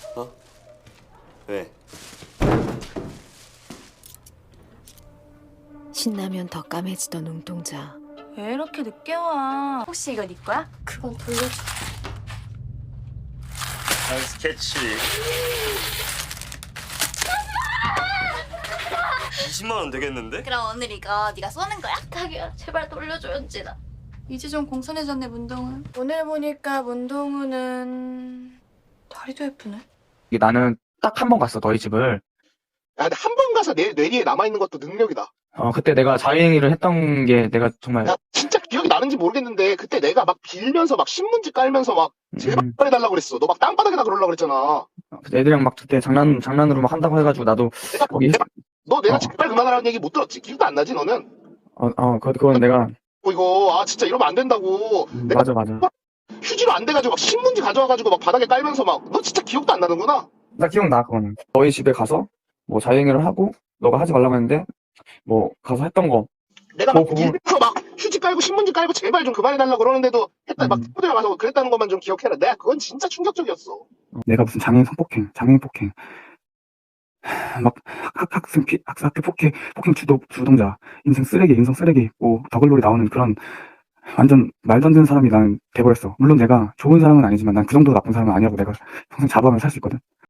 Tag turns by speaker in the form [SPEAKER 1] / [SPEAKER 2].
[SPEAKER 1] 어? 왜?
[SPEAKER 2] 신나면 더 까매지던 눈동자.
[SPEAKER 3] 왜 이렇게 늦게 와? 혹시 이거 네 거야?
[SPEAKER 4] 그건 돌려줘.
[SPEAKER 1] 한 스케치 20만 원 되겠는데?
[SPEAKER 3] 그럼 오늘 이거 네가 쏘는 거야?
[SPEAKER 4] 부탁이야. 제발 돌려줘, 연진아.
[SPEAKER 3] 이제 좀 공손해졌네 문동은. 오늘 보니까 문동우는 다리도 예쁘네.
[SPEAKER 5] 이게 나는 딱 한 번 갔어, 너희 집을.
[SPEAKER 6] 야, 근데 한 번 가서 내 뇌리에 남아있는 것도 능력이다.
[SPEAKER 5] 그때 내가 자행위를 했던 게 내가 정말,
[SPEAKER 6] 야, 진짜 기억이 나는지 모르겠는데, 그때 내가 막 빌면서 막 신문지 깔면서 막, 제발 해달라고 그랬어. 너 막 땅바닥에다 그러려고 그랬잖아.
[SPEAKER 5] 애들이랑 막 그때 장난으로 막 한다고 해가지고 나도 거기,
[SPEAKER 6] 내가
[SPEAKER 5] 어.
[SPEAKER 6] 제발 그만하라는 얘기 못 들었지? 기억도 안 나지, 너는?
[SPEAKER 5] 그건 내가,
[SPEAKER 6] 이거, 진짜 이러면 안 된다고. 내가
[SPEAKER 5] 맞아.
[SPEAKER 6] 휴지로 안 돼가지고 막 신문지 가져와가지고 막 바닥에 깔면서 막, 너 진짜 기억도 안 나는구나?
[SPEAKER 5] 나 기억나, 그거는. 너희 집에 가서 뭐 자행위를 하고, 너가 하지 말라고 했는데, 뭐, 가서 했던 거.
[SPEAKER 6] 내가 막
[SPEAKER 5] 그거-
[SPEAKER 6] 빌면서 막 휴지 깔고 신문지 깔고 제발 좀 그만해달라고 그러는데도 했다, 막 친구들 가서 그랬다는 것만 좀 기억해라. 내가 그건 진짜 충격적이었어.
[SPEAKER 5] 내가 무슨 장애인 폭행. 막 학교 폭행 주동자, 인성 쓰레기, 뭐 더글로리 나오는 그런 완전 말도 안 되는 사람이 난 돼버렸어. 물론 내가 좋은 사람은 아니지만 난 그 정도 나쁜 사람은 아니라고 내가 평생 자부하면서 살 수 있거든.